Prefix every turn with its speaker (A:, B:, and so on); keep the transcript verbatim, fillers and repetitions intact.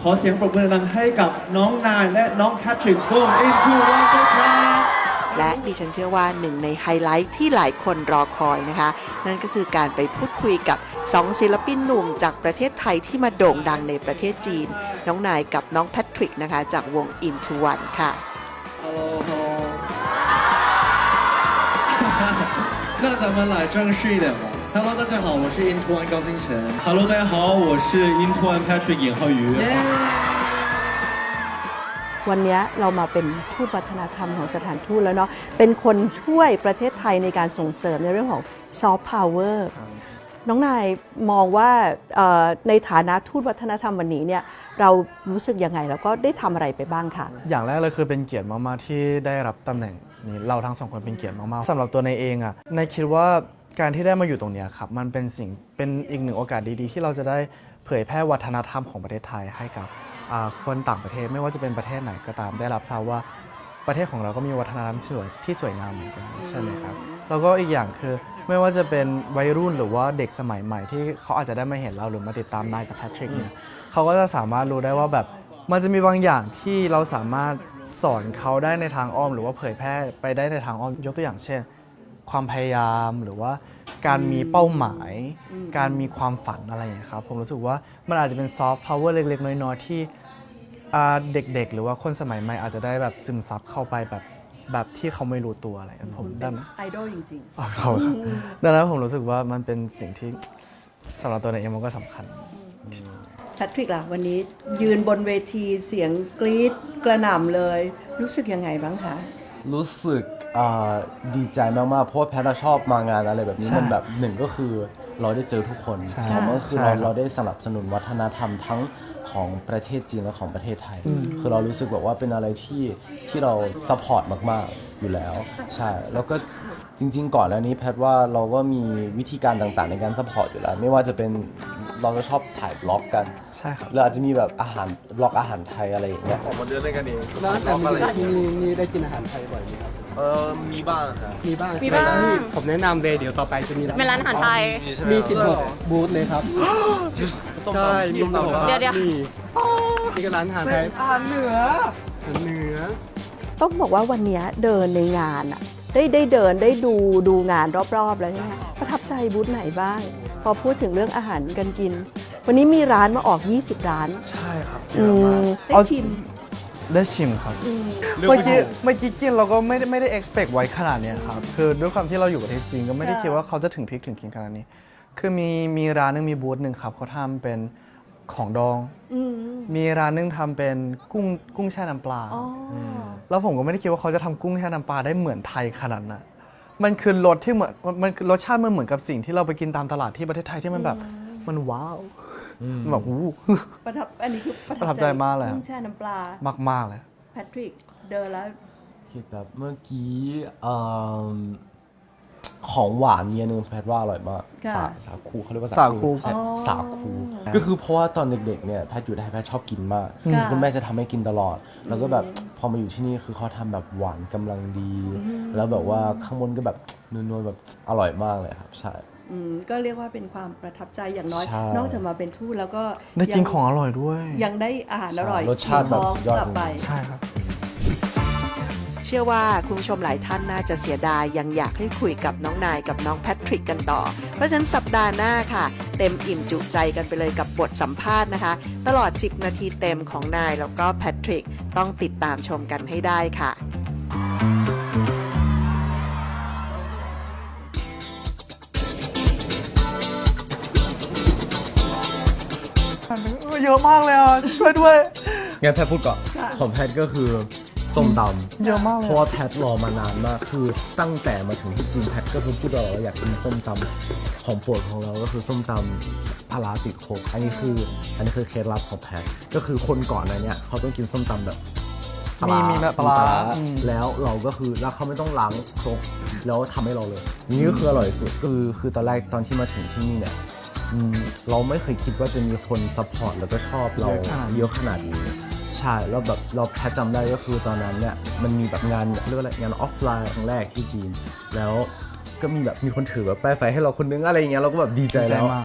A: ขอเสียงปรบมือดังให้กับน้องนายและน้องแพทริกวง Into One ด้วยครับ
B: และดิฉันเชื่อว่าหนึ่งในไฮไลท์ที่หลายคนรอคอยนะคะนั่นก็คือการไปพูดคุยกับสองศิลปินหนุ่มจากประเทศไทยที่มาโด่งดังในประเทศจีนน้องนายกับน้องแพทริกนะคะจากวง Into One ค่ะ
A: Hello Hello 那咱们来正式一点吧。Hello 大家好，我是 Into One 高金晨。Hello 大家好，我是 Into One Patrick 尹浩宇。
C: วันนี้เรามาเป็นทูตวัฒนธรรมของสถานทูตแล้วเนาะเป็นคนช่วยประเทศไทยในการส่งเสริมในเรื่องของซอฟต์พาวเวอร์น้องนายมองว่าในฐานะทูตวัฒนธรรมวันนี้เนี่ยเรารู้สึกยังไงแล้วก็ได้ทำอะไรไปบ้างคะ
D: อย่างแรกเลยคือเป็นเกียรติมากๆที่ได้รับตำแหน่งนี้เราทั้งสองคนเป็นเกียรติมากๆสำหรับตัวในเองอ่ะในคิดว่าการที่ได้มาอยู่ตรงนี้ครับมันเป็นสิ่งเป็นอีกหนึ่งโอกาสดีๆที่เราจะได้เผยแพร่วัฒนธรรมของประเทศไทยให้กับคนต่างประเทศไม่ว่าจะเป็นประเทศไหนก็ตามได้รับทราบว่าประเทศของเราก็มีวัฒนธรรมสวยที่สวยงามเหมือนกันใช่ไหมครับแล้วก็อีกอย่างคือไม่ว่าจะเป็นวัยรุ่นหรือว่าเด็กสมัยใหม่ที่เขาอาจจะได้มาเห็นเราหรือมาติดตามนายกับแพทริกเนี่ยเขาก็จะสามารถรู้ได้ว่าแบบมันจะมีบางอย่างที่เราสามารถสอนเขาได้ในทางอ้อมหรือว่าเผยแพร่ไปได้ในทางอ้อมยกตัวอย่างเช่นความพยายามหรือว่าการมีเป้าหมายการมีความฝันอะไรอย่างนี้ครับผมรู้สึกว่ามันอาจจะเป็นซอฟต์พาวเวอร์เล็กๆน้อยๆที่เด็กๆหรือว่าคนสมัยใหม่อาจจะได้แบบซึมซับเข้าไปแบบแบบที่เขาไม่รู้ตัวอะไรผมดังนั้น
C: ไอดอลจริงๆ
D: อ๋อเขาครับดังนั้นผมรู้สึกว่ามันเป็นสิ่งที่สำหรับตัวในเองมันก็สำคัญ
C: แพทริกล่ะวันนี้ยืนบนเวทีเสียงกรี๊ดกระหน่ำเลยรู้สึกยังไงบ้างคะ
E: รู้สึกดีใจมากๆเพราะว่าแพทชอบมางานอะไรแบบนี้มันแบบหนึ่งก็คือเราได้เจอทุกคนสองก็คือเราเราได้สนับสนุนวัฒนธรรมทั้งของประเทศจีนและของประเทศไทยคือเรารู้สึกแบบว่าเป็นอะไรที่ที่เราซัพพอร์ตมากๆอยู่แล้วใช่แล้วก็จริงๆก่อนแล้วนี้แพทว่าเราก็มีวิธีการต่างๆในการซัพพอร์ตอยู่แล้วไม่ว่าจะเป็นเราก็ชอบถ่ายบล็อกกัน
D: ใช่ครับ
E: เราอาจจะมีแบบอาหารบล็อกอาหารไทยอะไรอย่างเงี้ย
D: ออกมาเดินเล่นกันเอง
F: แล้วแต่มีมีมีได้กินอาหารไทยบ่อยไหมครับ
D: เออมีบ้างครับ
F: มีบ้าง
G: มีบ้าง
F: ผมแนะนำเลยเดี๋ยวต่อไปจะมี
G: เป็นร้านอาหารไทย
F: มีสิบหกบูธเลยครับใช่มีสิบหก
G: เดี๋ยวเดี๋ยว
F: นี่ก็ร้านอาหารไทย
D: อาหารเหนือ
F: อาหารเหนือ
C: ต้องบอกว่าวันนี้เดินในงานอะได้ได้เดินได้ดูดูงานรอบๆแล้วเนี่ยประทับใจบูธไหนบ้างพอพูดถึงเรื่องอาหารกันกินวันนี้มีร้านมาออกยี่สิบร้าน
D: ใช่ครับ
C: ได้ชิม
D: ได้ชิมครับเมื่อกี้เมื่อกี้กินเราก็ไม่ได้ไม่ได้ expect ไว้ขนาดนี้ครับคือด้วยความที่เราอยู่ประเทศจีนก็ไม่ได้คิดว่าเขาจะถึงพริกถึงขิงขนาดนี้คือมีมีร้านนึงมีบูธหนึ่งครับเขาทำเป็นของดองมีร้านนึงทำเป็นกุ้งกุ้งแช่น้ำปลาแล้วผมก็ไม่ได้คิดว่าเขาจะทำกุ้งแช่น้ำปลาได้เหมือนไทยขนาดนั้นมันคือรสที่เหมือนมันรสชาติมันเหมือนกับสิ่งที่เราไปกินตามตลาดที่ประเทศไทยที่มันแบบมันว้าวแบบวู้
C: ประทับอันนี้คือ
D: ประทับใจมากเลย
C: กุ้งแช่น้ำปลาม
D: ากๆเลย
C: แพทริกเดินแล้ว
E: คิดแบบเมื่อกี้ของหวานเนี่ยนึงแพทว่าอร่อยมากสาสาคูเขาเรียกว่า
D: สาคู
E: สาคูก็คือเพราะว่าตอนเด็กๆเนี่ยแพทอยู่ไทยแพทชอบกินมากคุณแม่จะทำให้กินตลอดแล้วก็แบบพอมาอยู่ที่นี่คือเขาทำแบบหวานกำลังดีแล้วแบบว่าข้างบนก็แบบนวลๆแบบอร่อยมากเลยครับใช่
C: ก็เรียกว่าเป็นความประทับใจอย่างน้อยนอกจากมาเป็นทูตแล้วก็
D: ได้กินของอร่อยด้วย
C: ยังได้อาหารอร่อย
E: รสชาติแบบยอด
C: ไป
D: ใช่ครับ
B: เชื่อว่าคุณผู้ชมหลายท่านน่าจะเสียดายยังอยากให้คุยกับน้องนายกับน้องแพทริกกันต่อเพราะฉะนั้นสัปดาห์หน้าค่ะเต็มอิ่มจุใจกันไปเลยกับบทสัมภาษณ์นะคะตลอดสิบนาทีเต็มของนายแล้วก็แพทริกต้องติดตามชมกันให้ได้ค่ะ
D: เยอะมากเลยอ่ะช่วยด้วย
E: งั้นแพทพูดก่อนของแพทก็คือส้มตำ
D: เยอะมากเลย
E: เพราะว่าแพทรอมานานมากคือตั้งแต่มาถึงที่จีนแพทก็คือพูดตลอดว่าอยากกินส้มตำของโปรดของเราก็คือส้มตำปลาร้าติดโคกอันนี้คืออันนี้คือเคล็ดลับของแพทก็คือคนก่อนนั้นเนี่ยเขาต้องกินส้มตำแบบ
D: มีมีแบบปลา
E: แล้วเราก็คือแล้วเขาไม่ต้องล้างครกแล้วทำให้เราเลยนี่ก็คืออร่อยสุดคือคือตอนแรกตอนที่มาถึงที่นี่เนี่ยเราไม่เคยคิดว่าจะมีคนซัพพอร์ตแล้วก็ชอบเราเยอะขนาดนี้ใช่แล้วแบบเราแพทจำได้ก็คือตอนนั้นเนี่ยมันมีแบบงานเรียกว่าอะไรงานออฟไลน์ครั้งแรกที่จีนแล้วก็มีแบบมีคนถือแบบป้ายไฟให้เราคนนึงอะไรอย่างเงี้ยเราก็แบบดีใจแล้ว